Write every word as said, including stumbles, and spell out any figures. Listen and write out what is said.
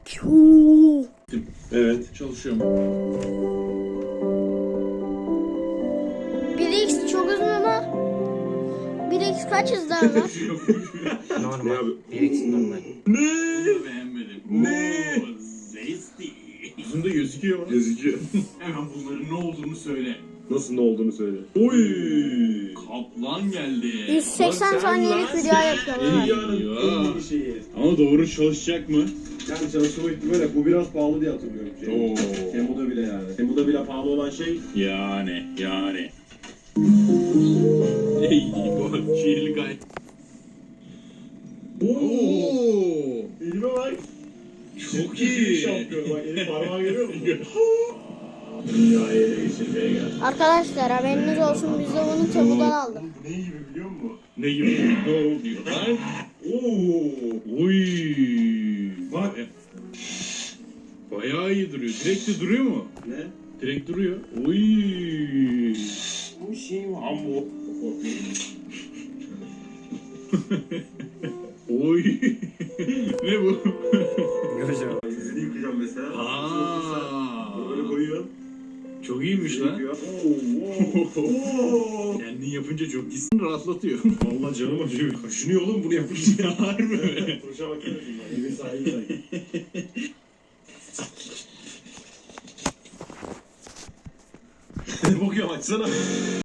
Piu. Evet. Çalışıyorum. bir x çok uzun ama bir x kaç hızlı ama? Normal. bir x normal. Bunu da beğenmedim. Ne? Oo, zesty. Uzun da gözüküyor mu? Gözüküyor. Hemen bunların ne olduğunu söyle. Nasıl ne olduğunu söyle. Oy. Kaplan geldi. yüz seksen saniyelik video yapıyorum. ha. Dünyanın en iyi şeyi. Ama doğru çalışacak mı? Yani çalışma ihtimali bu biraz pahalı diye hatırlıyorum. Şey. Oo. Temu'da bile yani. Temu'da bile pahalı olan şey. Yani, yani. Ey bu şiirli gayet. Oo. Elime bak. Çok iyi. Şampiyon bak elin parmağı görüyor musun? Dünyayı ele geçirmeye geldi. Arkadaşlar haberiniz olsun, biz de bunu Temu'dan aldık. Oğlum bu ne gibi biliyor musun? Ne gibi? Ne oluyor lan? Oo. Oy. Bak. Bayağı iyi duruyor. Direkt de duruyor mu? Ne? Direkt duruyor. Oy. Bu şey mi? Ambo. Oy. Ne bu? Gözüm. Yüzünü yıkayacağım mesela. Aa. Bunu böyle koyuyorsun. Çok iyiymiş lan. Yıkıyor. Oo, oo, oo. Kendin yapınca çok iyisin, rahatlatıyor. Vallahi canım acıyor. Kaşınıyor oğlum bunu yapınca. Ya harbi mi? Turşa bakar mısın? Evin sahibi sanki. Ne bakıyorum açsana.